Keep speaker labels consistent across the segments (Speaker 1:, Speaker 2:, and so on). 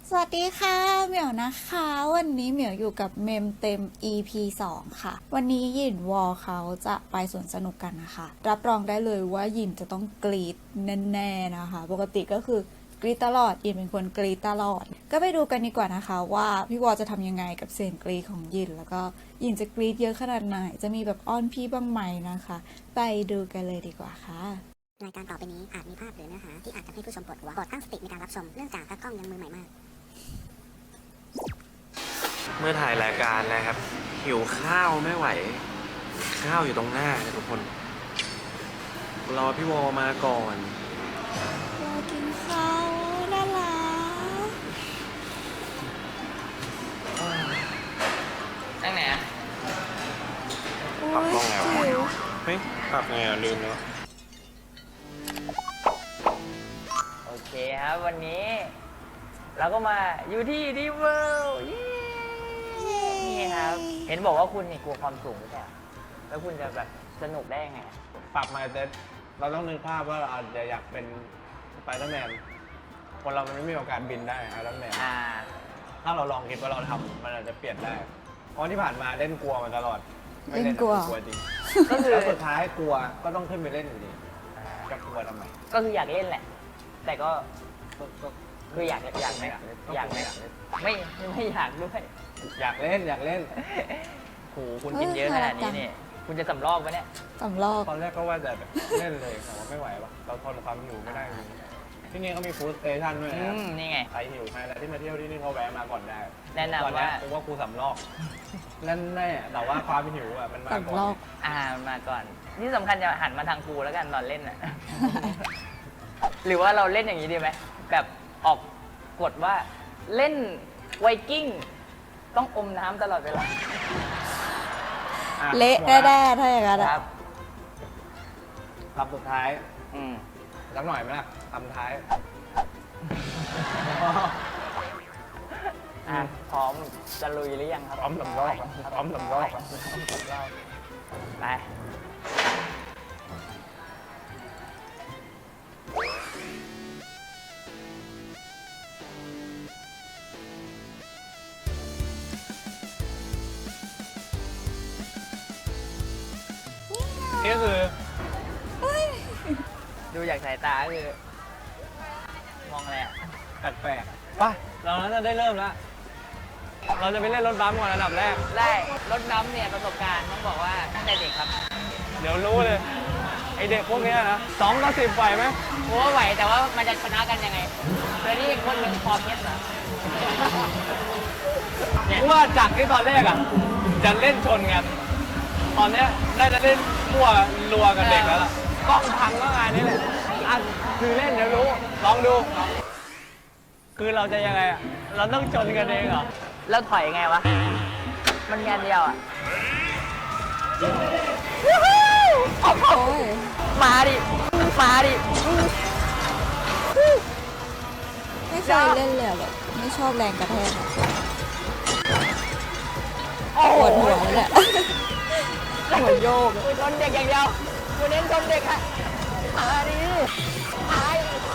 Speaker 1: สวัสดีค่ะเหมียวนะคะวันนี้เหมียวอยู่กับเมมเต็ม EP 2 ค่ะวันนี้หยินวอเขาจะไปสวนสนุกกันนะคะรับรองได้เลยว่าหยินจะต้องกรี๊ดแน่ๆนะคะปกติก็คือกรี๊ดตลอดหยินเป็นคนกรี๊ดตลอดก็ไปดูกันดีกว่านะคะว่าพี่วอจะทำยังไงกับเสียงกรี๊ดของหยินแล้วก็หยินจะกรี๊ดเยอะขนาดไหนจะมีแบบอ้อนพี่บ้างไหมนะคะไปดูกันเลยดีกว่าค่ะ
Speaker 2: รายการต่อไปนี้อาจมีภาพหรือเนื้อหาที่อาจทำให้ผู้ชมปวดหัวโปรดตั้งสติในการรับชมเนื่องจากตากล้องยังมือใหม่มาก
Speaker 3: เมื่อถ่ายรายการนะครับ หิวข้าวไม่ไหว ข้าวอยู่ตรงหน้านะทุกคน รอพี่วอมาก่อน
Speaker 1: รอกินข้าวน่ารัก
Speaker 4: ตั้งไหนอ่ะ
Speaker 3: ปรับกล้องแล้วเฮ้ยปรับไงอ่ะลืมแล้ว
Speaker 4: โอเคครับ วันนี้ เราก็มาอยู่ที่ดีเวิลด์นี่ครับ เห็นบอกว่าคุณนี่กลัวความสูงไม่ใช่เหรอแล้วคุณจะแบบสนุกได้ยังไงอะ
Speaker 5: ปรับมาแต่เราต้องนึกภาพว่าเราอาจจะอยากเป็นสไปเดอร์แมนคนเรามันไม่มีโอกาสบินได้ไอรอนแมนถ้าเราลองคิดว่าเราทำมันอาจจะเปลี่ยนได้เพราะที่ผ่านมาเล่นกลัวมาตลอดไม่เล่นกลัวจริง
Speaker 4: ก็คือ
Speaker 5: แล้วสุดท้ายกลัวก็ต้องขึ้นไปเล่นอยู่ดีจะกลัวทำไม
Speaker 4: ก็คืออยากเล่นแหละ แต่ก็
Speaker 5: ก็
Speaker 4: คืออยากไหม
Speaker 5: ไม่อยากเล่น
Speaker 4: ไม่อยากด้วย
Speaker 5: อยากเล่น
Speaker 4: โหคุณกินเยอะขนาดนี้เนี่ยคุณจะสำรอกไหมเนี่ย
Speaker 1: สำรอก
Speaker 5: ตอนแรกก็ว่าจะแบบเล่นเลยแต่ว่าไม่ไหวว่ะเราทนความหิวไม่ได้จริงที่นี่เขามีฟู้ดสเตชันด้วยนะครับ
Speaker 4: นี่ไง
Speaker 5: ใครหิวใครอะไรที่มาเที่ยวที่นี่เขาแวะมาก่อนได้
Speaker 4: แนะนำ
Speaker 5: ตอนเนี้ย
Speaker 4: ว่า
Speaker 5: กูว่ากูสำลอกนั่นแน่แต่ว่าความหิวอ่ะมันมา
Speaker 1: สำ
Speaker 5: ก่
Speaker 1: ร
Speaker 5: อ
Speaker 1: อน ก
Speaker 4: มาก่อน นี่สำคัญจะหันมาทางกูแล้วกันตอนเล่นน่ะ หรือว่าเราเล่นอย่างนี้ดีไหมแบบออกกฎว่าเล่นไวกิ้งต้องอมน้ำตลอดเวลา
Speaker 5: อ่ะ
Speaker 1: เละ
Speaker 5: หมด
Speaker 1: แน่ๆถ้าอย่างนั้น
Speaker 4: ค
Speaker 1: อะ
Speaker 4: รับ
Speaker 5: ลำสุดท้าย
Speaker 4: อืม
Speaker 5: สักหน่อยไหมล่ะลำท้าย
Speaker 4: พร้อมจะลุยหรือยังครับ
Speaker 5: พร้อมสำรอกพร้อมสำรอก
Speaker 4: ไป
Speaker 5: นี่ก็คือ
Speaker 4: ดูจากสายตาก็คือ มองอะไรอ่ะ
Speaker 5: แปลกๆไปเราน่าจะได้เริ่มแล้ว เราจะไปเล่นรถบัมก่อนอันดับแรก
Speaker 4: ได้รถน้ำเนี่ยประสบการณ์ต้องบอกว่าตั้งแต่เด็กครับ
Speaker 5: เดี๋ยวรู้เลย ไอเด็กพวกเนี้ยนะ2-10ไหวไหม
Speaker 4: กูว่าไหวแต่ว่ามันจะชนะกันยังไงเดี๋ยวนี้คนหนึ่งพอเพชรเหรอ
Speaker 5: เพราะว่าจากที่ตอนแรกอ่ะ จะเล่นชนกัน ตอนเนี้ยน่าจะเล่นมั่วรัวกับเด็กแล้วล่ะกล้องพังก็งานนี้แหละอ่ะคือเล่นเดี๋ยวรู้ ลองดู คือเราจะยังไงอ่ะ เราต้องชนกันเองเหรอ
Speaker 4: แล้วถอยไงวะ มันงานเดียวอ่ะ
Speaker 1: โอ้ย
Speaker 4: มาดิ มาดิ
Speaker 1: ไม่เคยเล่นเลยอะแบบไม่ชอบแรงกระแทกอะ
Speaker 4: โอ้
Speaker 1: ป
Speaker 4: โห
Speaker 1: วดหัวเลยแหละหัวโยกอะ
Speaker 4: กูชนเด็กอย่างเดียวกูเน้นชนเด็กอะมาดิตาย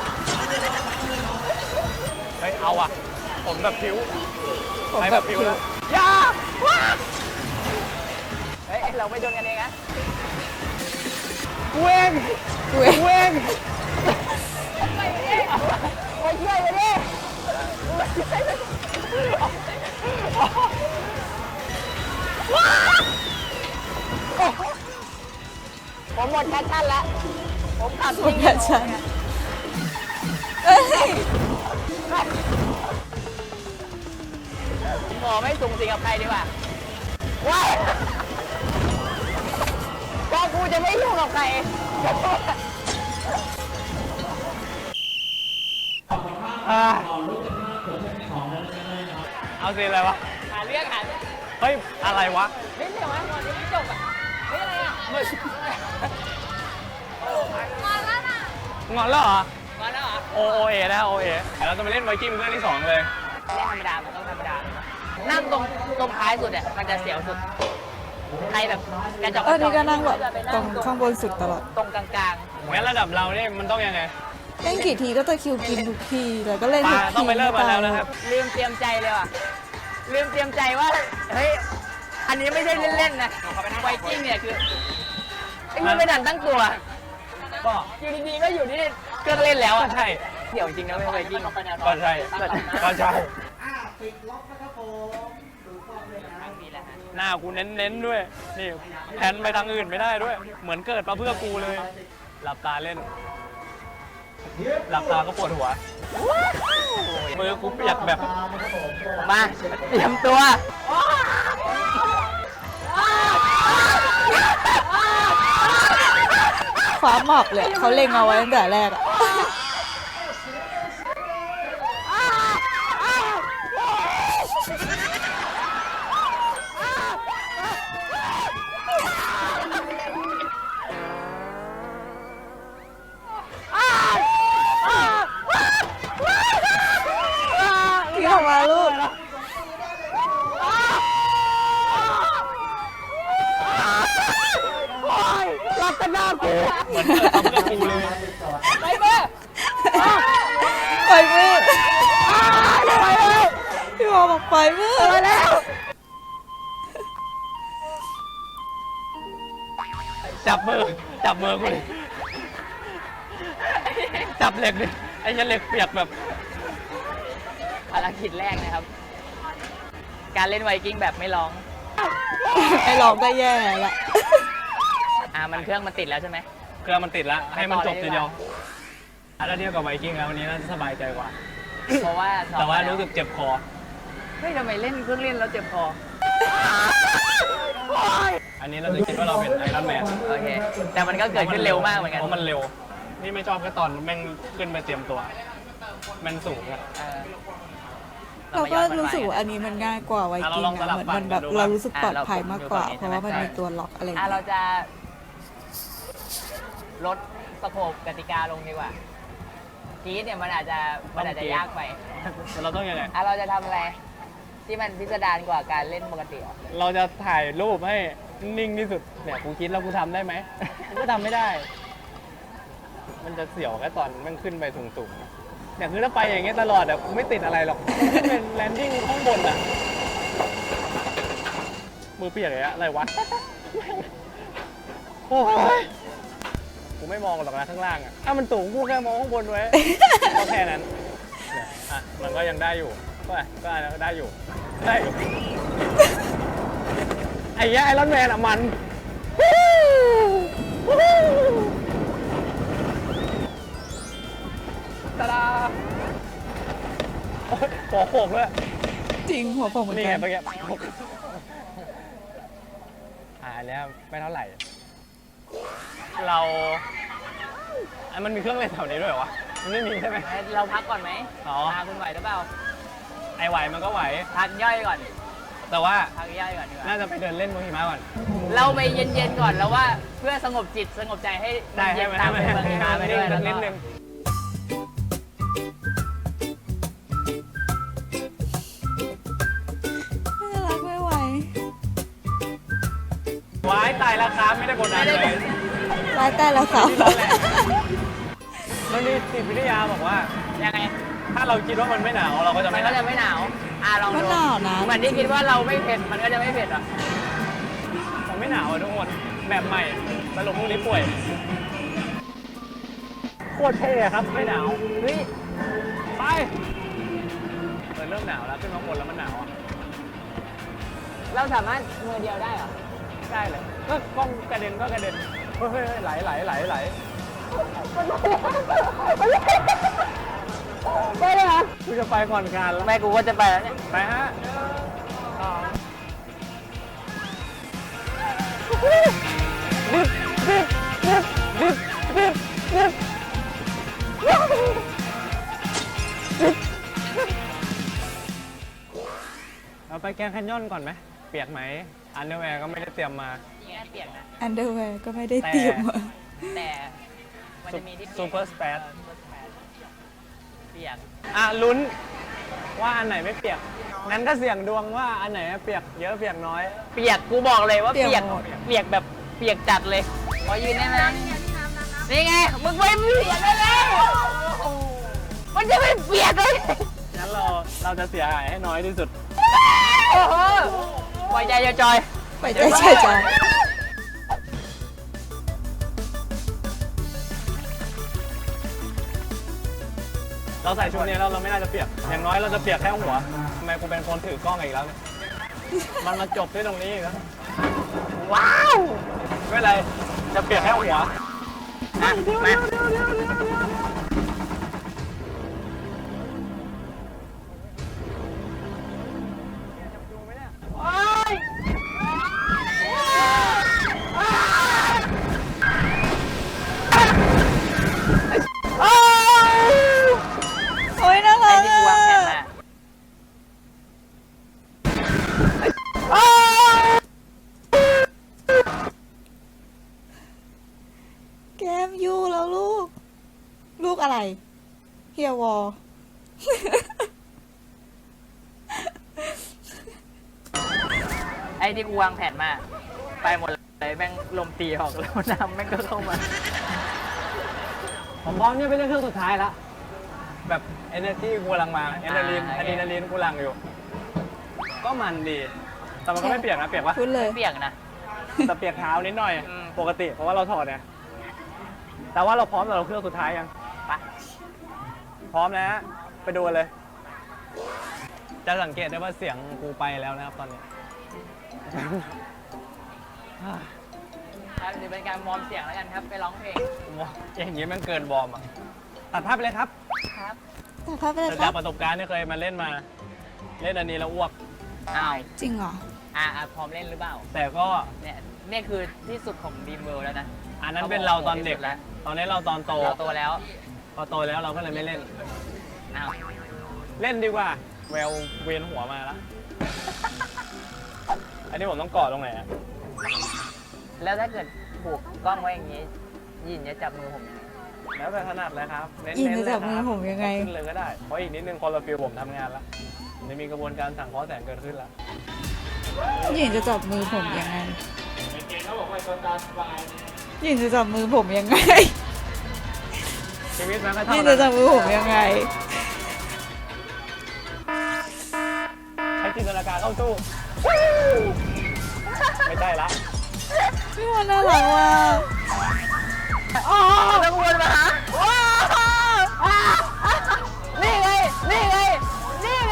Speaker 5: เฮ้ยเอาอ่ะ ผมแบบผิว
Speaker 1: ผม
Speaker 5: ไป
Speaker 1: แบ
Speaker 5: แบบ
Speaker 1: บ
Speaker 5: ผิว
Speaker 1: ผิว
Speaker 5: แล้วอย่าว้า
Speaker 4: เฮ้ย เราไม่โดนกันเองนะ
Speaker 5: เว้ง
Speaker 1: เว้ย
Speaker 5: เว้ง
Speaker 4: ไปดิไปช่วยไปดิผมหมดแพชชั่นแล้ว ผมขับ
Speaker 1: หมดแพชชั่น เอ้ย
Speaker 4: ขอไม่สูงสิงกับใครดีกว่าว้ายก็กูจะไม่ยุ่งกับใคร
Speaker 5: อ่าเอาสิอะไรวะ
Speaker 4: หาเรื่องหาเรื่อง
Speaker 5: เฮ้ย อะไรวะ
Speaker 4: เฮ้ยเดี๋ยวนะก่อนยังไม่จบอ่ะเฮ้ยอะไรอ่ะ
Speaker 5: งอนแล้วเหรอ
Speaker 4: มาแล้วเหรอ
Speaker 5: โอเอนะโอเอเดี๋ยวเราจะไปเล่นไวกิ้งเรื่องที่ 2 เลย
Speaker 4: เล่นธรรมดา มันต้องธรรมดา นั่งตรงท้ายสุดเนี่ยมันจะเสียวสุด ใครแบบกระจอก
Speaker 1: นี่ก็นั่งแบบตรงข้างบนสุดตลอด
Speaker 4: ตรงกลาง
Speaker 5: งั้นระดับเราเนี่ยมันต้องยังไง
Speaker 4: ๆ
Speaker 1: เล่นกี่ทีก็ตะคริวกินทุกทีแล้วก็เล่นทุกที
Speaker 5: ต้องไปเริ่มมาแล้วนะครับ
Speaker 4: ลืมเตรียมใจเลยว่ะ ลืมเตรียมใจว่า เฮ้ย อันนี้ไม่ใช่เล่นๆนะไวกิ้งเนี่ยคือไอ้มันไม่ดันตั้งตัว
Speaker 5: ก็
Speaker 4: อยู่ดีๆก็อยู่ที่เครื่องเล่นแล้ว
Speaker 5: ก็
Speaker 4: อ่ะ
Speaker 5: ใช่
Speaker 4: เดี๋ยวจริงนะไม่ไวกิ้ง
Speaker 5: ก็ใช่ก็ใช่หน้ากูเน้นๆด้วย นี่แผนไปทางอื่นไม่ได้ด้วย เหมือนเกิดมาเพื่อกูเลย หลับตาเล่น หลับตาก็ปวดหัว มือกูเปียกแบบ
Speaker 4: มาเตรียมตัว
Speaker 1: ความหมอบเลยเขาเล็งเอาไว้ตั้งแต่แรกอะ พี่ออกมาลูก
Speaker 4: รัตนากู
Speaker 5: เหมือนเกิดมาเพื่อกูเลย
Speaker 4: ไปเบ้อ
Speaker 1: ปล่อยมือไปแล้วพี่วอบอกปล่อยมือไปแล้ว
Speaker 5: จับมือกูเลย จับเหล็กดิไอ้ยันเหล็กเปียกแบบ
Speaker 4: ภารกิจแรกนะครับ การเล่นไวกิ้งแบบไม่ร้อง
Speaker 1: ไอ้ร้องก็แย่ละ
Speaker 4: มันเครื่องมันติดแล้วใช่ไหม
Speaker 5: เครื่องมันติดแล้ว ให้มันจบ
Speaker 4: ไปต่อเลย
Speaker 5: ทีเดียวถ้าเทียบกับไวกิ้งแล้ววันนี้น่าจะสบายใจกว่า
Speaker 4: เพราะว่าซ้อม
Speaker 5: แต่ว่า
Speaker 4: มาล้
Speaker 5: รู้สึกเจ็บคอ
Speaker 4: เฮ้ยทำไมเล่นเครื่องเล่นแล้วเจ็บคอ
Speaker 5: อันนี้เราจะคิดว่าเราเป็นไอรอนแมน
Speaker 4: โอเค แต่มันก็เกิดขึ้นเร็วมากเหมือนกัน
Speaker 5: เพราะมันเร็ว นี่ไม่ชอบแค่ตอนแม่งขึ้นไปเตรียมตัว มันสูงอะ
Speaker 4: เออ
Speaker 1: เราก็รู้สึกว่าอันนี้มันง่ายกว่าไวกิ้ง
Speaker 5: เราลองสลั
Speaker 1: อะ
Speaker 5: บ
Speaker 1: เหมือนมันแบบ
Speaker 5: ฝั่งกันดู
Speaker 1: เรารู้สึกปลอดภัยมากกว่า
Speaker 4: เรา
Speaker 1: เพราะว่ามันมีตัวล็อกอะไรอย่าง
Speaker 4: เรา
Speaker 1: เงี้ย
Speaker 4: จะลดสโคปกติกาลงดีกว่ากีดเนี่ยมันอาจจะยากไป
Speaker 5: แต่เราต้องยังไง
Speaker 4: เราจะทำอะไรที่มันพิสดารกว่าการเล่นปกติอ่ะ
Speaker 5: เราจะถ่ายรูปให้นิ่งที่สุด เนี่ยกูคิดแล้วกูทำได้ไหม กูก็ทำไม่ได้ มันจะเสียวแค่ตอนมันขึ้นไปสูงๆเนี่ยคือถ้าไปอย่างเงี้ยตลอดอะกูไม่ติดอะไรหรอกเป็นแลนดิ้งข้างบนอะมือเปียกเลยอะอะไรวะ โอ้ยกูไม่มองหรอกนะข้างล่างอะถ้ามันสูงกูแค่มองข้างบนไว้ ก็แค่นั้นเนี่ยอ่ะมันก็ยังได้อยู่ก็ได้อยู่ ได้อยู่ ไอ้เหี้ยไอรอนแมนอะมันตาดาโอ้ยหัวโขกด้วย
Speaker 1: จริงหัวผมเหมือน
Speaker 5: นี่
Speaker 1: กั
Speaker 5: ไง
Speaker 1: น
Speaker 5: เมื่อกี้อันเนี้ยไม่เท่าไหร่ เรามันมีเครื่องเล่นแถวนี้ด้วยเหรอวะ มันไม่มีใช่ไหม
Speaker 4: เราพักก่อนไหม
Speaker 5: อ๋อ
Speaker 4: คุณไหวหรือเปล่า
Speaker 5: ไอไหวมันก็ไหว
Speaker 4: พักย่อยก่อน
Speaker 5: แต่ว่า
Speaker 4: พักย่อยก่อนดีกว่า
Speaker 5: น่าจะไปเดินเล่นบนหิมะก่อน
Speaker 4: เราไปเย็นๆก่อนแล้วว่าเพื่อสงบจิตสงบใจให้มั
Speaker 5: ได้
Speaker 4: นเย็
Speaker 5: ให้
Speaker 4: น
Speaker 5: มัน
Speaker 4: ตาม
Speaker 5: ให้
Speaker 4: ไป
Speaker 5: มัน
Speaker 4: เมืองหิมะไปด้วยแล้ว
Speaker 5: นิด
Speaker 4: ก็
Speaker 5: นึง
Speaker 1: น่ารักไม่ไหว
Speaker 5: ว้ายตายแล้วครับไม่ได้กดดันเลย
Speaker 1: ร้ายแต่แล้วเขา
Speaker 5: มันมีจิตวิทยาบอกว่า
Speaker 4: ยังไง
Speaker 5: ถ้าเราคิดว่ามันไม่หนาวเราก็จะ
Speaker 4: มั
Speaker 5: ไม่
Speaker 4: น
Speaker 5: ห
Speaker 4: ก็
Speaker 5: นาว
Speaker 4: จะไม่หนาวลอง
Speaker 1: ก็
Speaker 4: ดู
Speaker 1: หนาวนะ
Speaker 4: เหมือนที่คิดว่าเราไม่เผ็ดมันก็จะไม่เผ็ดอ่ะ
Speaker 5: มันไม่หนาวอะทุกคนแบบใหม่สรุปพวกนี้ป่วยโคตรเท่ครับไม่หนาว
Speaker 4: เฮ้ย
Speaker 5: ไปเริ่มหนาวแล้วขึ้นมาบนแล้วมันหนาวอ่ะ
Speaker 4: เราสามารถมือเดียวได้เหรอ
Speaker 5: ได้เลยก็กล้องกระเด็นก็กระเด็นเฮ้ยไหล
Speaker 4: ไปเลยเหรอ
Speaker 5: กูจะไปก่อนการแล้ว
Speaker 4: แม่กูก็จะไปแล้วเนี่ย
Speaker 5: ไปฮะเราไปแกรนด์แคนยอนก่อนไหมเปียกไหมอันเดอร์แวร์ก็ไม่ได้เตรียมมา
Speaker 4: นี่เปียกนะ
Speaker 1: อันเดอร์แวร์ก็ไม่ได้เตรียมมา
Speaker 4: แต่มันจะมีที่
Speaker 5: ซูเปอร์สเปซ
Speaker 4: เปียก
Speaker 5: อ่ะลุ้นว่าอันไหนไม่เปียก งั้นก็เสี่ยงดวงว่าอันไหนเปียกเยอะเปียกน้อย
Speaker 4: เปียกกูบอกเลยว่า
Speaker 1: เปี
Speaker 4: เปี
Speaker 1: ย
Speaker 4: ย
Speaker 1: ก
Speaker 4: ก
Speaker 1: หมด
Speaker 4: เปียกแบบเปียกจัดเลยขอยืนได้ไหมนี่ไงมึงไม่เปียกได้แล้วมันจะไม่เปียกเลย
Speaker 5: งั้นเราจะเสียหายให้น้อยที่สุด
Speaker 4: โอ้โหปล่อยใจอย่าจอย
Speaker 1: ไปใจเฉยใจ
Speaker 5: เราใส่ชุดนี้แล้วเราไม่น่าจะเปียก อย่างน้อยเราจะเปียกแค่หัวทำไมกูเป็นคนถือกล้องอีกแล้วเนี่ย มันมาจบที่ตรงนี้อีกแล้ว
Speaker 4: ว้าว
Speaker 5: ไม่เป็นไร จะเปียกแค่หัว
Speaker 4: อ่ะมา
Speaker 1: โอ้ยน่ารั
Speaker 4: ไอ้
Speaker 1: ก
Speaker 4: ที่กูวางแผนมา
Speaker 1: แก้มยูแล้วลูก ลูกอะไร เฮียวอ
Speaker 4: ไอ้ที่กูวางแผนมา ไปหมดเลยแม่งลมตีออกแล้วน้ำแม่งก็เข้ามา
Speaker 5: ผมพร้อมเนี่ยเป็นเรื่องสุดท้ายแล้ว แบบ energy กูกำลังมาอะดรีนาลีน
Speaker 4: โอ
Speaker 5: อะ
Speaker 4: เค
Speaker 5: ดรีนาลีนกูหลังอยู่ ก็มันดี แต่มันก็ไม่เปียกนะ เปียกปะ
Speaker 1: พูดเลย
Speaker 4: เปียกนะ
Speaker 5: แต่เปียกเท้านิดหน่อย
Speaker 4: อืม
Speaker 5: ปกติ เพราะว่าเราถอดเนี่ยแต่ว่าเราพร้อมสำหรับเครื่องสุดท้ายยัง
Speaker 4: ไป
Speaker 5: พร้อมนะฮะไปดูกันเลย จะสังเกตได้ว่าเสียงกูไปแล้วนะครับตอนนี้
Speaker 4: ครับหรือเป็นการวอร์มเสียงแล้วกันครับ ไปร้องเพลง
Speaker 5: อย่างนี้มันเกินวอร์มอ่ะ ตัดภาพไปเลยครับ
Speaker 4: ครับ
Speaker 1: แต่ภาพไปเลย
Speaker 5: แต่
Speaker 1: ค
Speaker 5: จา
Speaker 1: รั
Speaker 5: ก
Speaker 1: บ
Speaker 5: ประสบการณ์ที่เคยมาเล่นมา เล่นอันนี้แล้วอ้วก
Speaker 4: อ้าว
Speaker 1: จริงเหรอ
Speaker 4: พร้อมเล่นหรือเปล่า
Speaker 5: แต่ก็
Speaker 4: เนี่ยคือที่สุดของดีมเวิลด์แล้วนะ
Speaker 5: อันนั้นเป็นเราตอนเด็ก
Speaker 4: แล้ว
Speaker 5: ตอนนี้เราตอนโต
Speaker 4: เราโตแล้ว
Speaker 5: พอโตแล้วเราก็เลยไม่เล่น
Speaker 4: อ้าว
Speaker 5: เล่นดีกว่า แววเวียนหัวมาแล้ว อันนี้ผมต้องเกาะตรงไหนอะ
Speaker 4: แล้วถ้าเกิดผูกกล้องไว้อย่างนี้ ยินจะจับมือผมยังไง
Speaker 5: แล้วแต่ถนัดเลยครับเน้น
Speaker 1: ยิน
Speaker 5: ๆ
Speaker 1: จะ
Speaker 5: เลย
Speaker 1: จับมือผมยังไง
Speaker 5: ขึ้นเลยก็ได้ เพราะอีกนิดนึงคอร์ฟิลผมทำงานแล้วจะมีกระบวนการสั่งเคอแสงเกิดขึ้นแล้ว
Speaker 1: ยินจะจับมือผมยังไง ยินจะจับมือผมยังไง
Speaker 5: ชีวิตมันก็เท่า
Speaker 1: ยิน
Speaker 5: นั้
Speaker 1: จะ
Speaker 5: น
Speaker 1: จับมือผมยังไง
Speaker 5: ใช้จินตนาการเข้าสู้ ไม่ใช่ละ
Speaker 1: พี่วอนน่ารักว่ะ
Speaker 4: ต้องวนมาหานี่ไง นี่ไง นี่ไง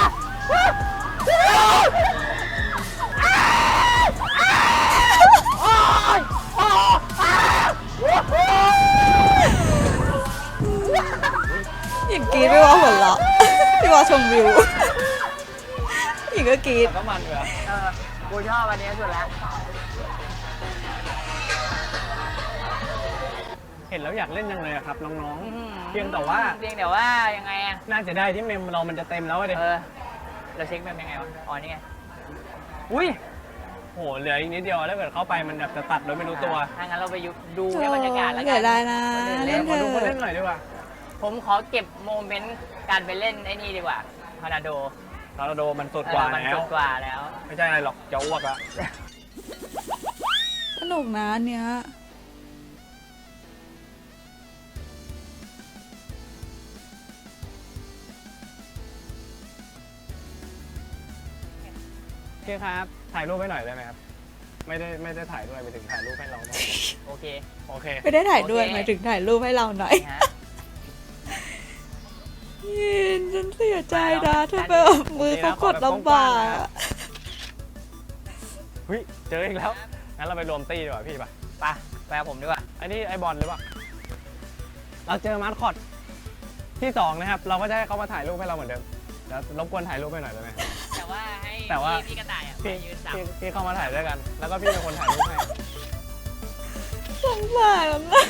Speaker 1: หญิงกรีดพี่วอหัวเราะพี่วอชมวิวหญิงก็กรีด
Speaker 5: แต่ก็มันอยู่แล้ว
Speaker 4: กูชอบอันนี้สุดแล้ว
Speaker 5: เห็นแล้วอยากเล่นยังเลยอะครับน้องๆ เพียงแต่ว่า
Speaker 4: เพียงแต่ว่ายังไงอะ
Speaker 5: น่าจะได้ที่เมมเรามันจะเต็มแล้วอะดิ
Speaker 4: เราเช็คแบบยังไงวะ อ๋อ นี่ไง
Speaker 5: อุ้ยโหเหลืออีกนิดเดียวแล้วเกิดเข้าไปมันแบบจะตัดโดยไม่รู้ตัว
Speaker 4: ถ้างั้นเราไปดูในบรรยากาศแล้วกั
Speaker 1: เดี๋ยวได้นะ
Speaker 5: เล่
Speaker 1: เล่
Speaker 5: น
Speaker 1: น
Speaker 5: ขอ
Speaker 1: เถ
Speaker 5: ดูคนเล่น
Speaker 1: อะ
Speaker 5: หน่อยดีกว่า
Speaker 4: ผมขอเก็บโมเมนต์การไปเล่นไอ้นี่ดีกว่าพานาโด
Speaker 5: ทอร์นาโดมันสุดกว่า
Speaker 4: มัน
Speaker 5: แล้
Speaker 4: สุ
Speaker 5: ว
Speaker 4: ดกว่าแล้ว
Speaker 5: ไม่ใช่อะไรหรอกจะอ้วกละ
Speaker 1: สนุกนะอันเนี้ย
Speaker 5: พี่ครับ ถ่ายรูปให้หน่อยได้ไหมครับ ไม่ได้ถ่ายด้วยไปถึงถ่ายรูปให้เราหน่อย
Speaker 4: โอเค
Speaker 5: โอเค
Speaker 1: ไม่ได้ถ่ายด้วย
Speaker 4: โอเค
Speaker 1: หมายถึงถ่ายรูปให้เราหน่อย
Speaker 4: นะฮะ
Speaker 1: ยินฉันเสียใจนะเธอไปแบบมือเขากดลำบาก
Speaker 5: เฮ้ยเจออีกแล้ว งั้นเราไปรวมตี้ดีกว่าพี่ป่ะ
Speaker 4: ไปกับผมดีกว่า
Speaker 5: อันนี้ไอบอลหรือเปล่า เราเจอมาสคอตที่สองนะครับ เราก็จะให้เขามาถ่ายรูปให้เราเหมือนเดิมเดี๋ยวรบกวนถ่ายรูปให้หน่อยได้ไหมครับ
Speaker 4: แต่ว่าให้
Speaker 5: แต่ว่า
Speaker 4: พี่กระต่ายอ่ะไป
Speaker 5: พี่
Speaker 4: ยืนจับ
Speaker 5: พี่เข้ามาถ่ายด้วยกัน แล้วก็พี่เป็นคนถ่ายรูปให้
Speaker 1: สงสารนะ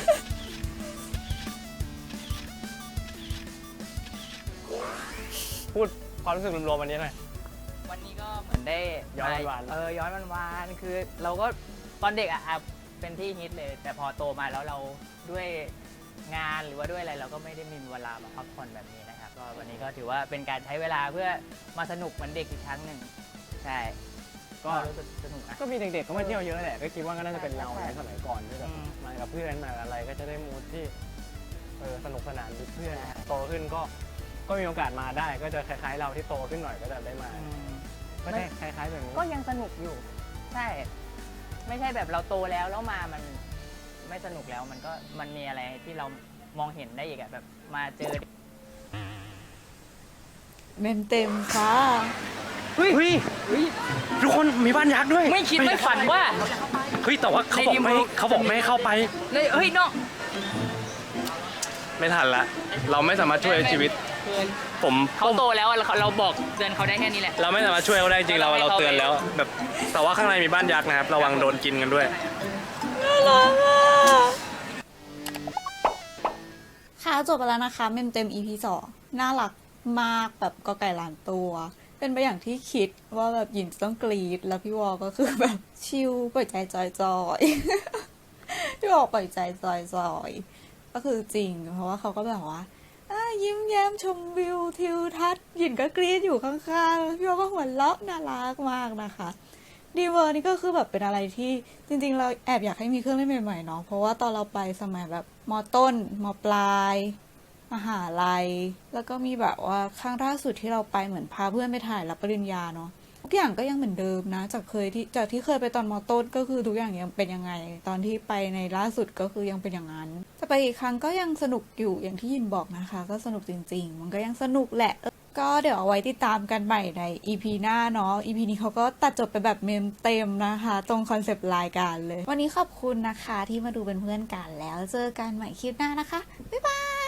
Speaker 5: พูดความรู้สึกรวมๆวันนี้หน่อย
Speaker 4: วันนี้ก็เหมือนได้
Speaker 5: ย้อนวันๆ
Speaker 4: ย้อนวันๆคือเราก็ตอนเด็กอ่ะเป็นที่ฮิตเลย แต่พอโตมาแล้วเราด้วยงานหรือว่าด้วยอะไรเราก็ไม่ได้มีเวลามาพักผ่อนแบบนี้นะครับก็วันนี้ก็ถือว่าเป็นการใช้เวลาเพื่อมาสนุกเหมือนเด็กอีกครั้งหนึ่งใช่ก็รู้สึกสนุกนะ
Speaker 5: ก็มีเด็กๆก็มาเที่ยวเยอะแหละ ก็คิดว่าก็น่าจะเป็นเราในสมัยก่อนที่แบบ
Speaker 4: อืม
Speaker 5: มากับเพื่อนมาอะไรก็จะได้มูดที่สนุกสนานด้วยเพื่อนโตขึ้นก็มีโอกาสมาได้ ก็จะคล้ายๆเราที่โตขึ้นหน่อยก็จะได้มาก็ได้คล้ายๆแบบนี้
Speaker 4: ก็ยังสนุกอยู่ ใช่ ไม่ใช่แบบเราโตแล้วมามันไม่สนุกแล้วมันมีอะไรที่เรามองเห็นได้อีกอะแบบมาเจอ
Speaker 1: เมมเต็มค่ะ
Speaker 3: เฮ้ยทุกคนมีบ้านยักษ์ด้วย
Speaker 4: ไม่คิดไม่ฝันว่า
Speaker 3: เฮ้ยแต่ว่าเขาบอกไม่ให้เข้าไป
Speaker 4: เลยเฮ้ยน้อง
Speaker 3: ไม่ทันละเราไม่สามารถช่วยชีวิตผม
Speaker 4: เขาโตแล้วอะเราบอกเตือนเขาได้แค่นี้แหละ
Speaker 3: เราไม่สามารถช่วยเขาได้จริงเราเตือนแล้วแบบแต่ว่าข้างในมีบ้านยักษ์นะครับระวังโดนกินกันด้วย
Speaker 1: น่ารักอ่ะค่ะจบไปแล้วนะคะเมมเต็ม EP 2น่ารักมากแบบกอไก่ล้านตัว เป็นไปอย่างที่คิดว่าแบบหยินจะต้องกรีดแล้วพี่วอก็คือแบบชิลปล่อยใจจอยๆ พี่วอปล่อยใจจอยๆก็คือจริงเพราะว่าเขาก็แบบว่ายิ้มแย้มชมวิวทิวทัศน์หยินก็กรีดอยู่ข้างๆพี่วอก็หัวเราะน่ารักมากนะคะดีเวอร์นี่ก็คือแบบเป็นอะไรที่จริงๆเราแอบอยากให้มีเครื่องเล่นใหม่ๆเนาะเพราะว่าตอนเราไปสมัยแบบม.ต้นม.ปลายมหาลัยแล้วก็มีแบบว่าครั้งล่าสุดที่เราไปเหมือนพาเพื่อนไปถ่ายรับปริญญาเนาะทุกอย่างก็ยังเหมือนเดิมนะจากที่เคยไปตอนม.ต้นก็คือทุกอย่างยังเป็นยังไงตอนที่ไปในล่าสุดก็คือยังเป็นอย่างนั้นจะไปอีกครั้งก็ยังสนุกอยู่อย่างที่ยินบอกนะคะก็สนุกจริงๆมันก็ยังสนุกแหละก็เดี๋ยวเอาไว้ติดตามกันใหม่ใน EP หน้าเนาะ EP นี้เขาก็ตัดจบไปแบบเมมเต็มนะคะตรงคอนเซปต์รายการเลยวันนี้ขอบคุณนะคะที่มาดูเป็นเพื่อนกันแล้วเจอกันใหม่คลิปหน้านะคะบ๊ายบาย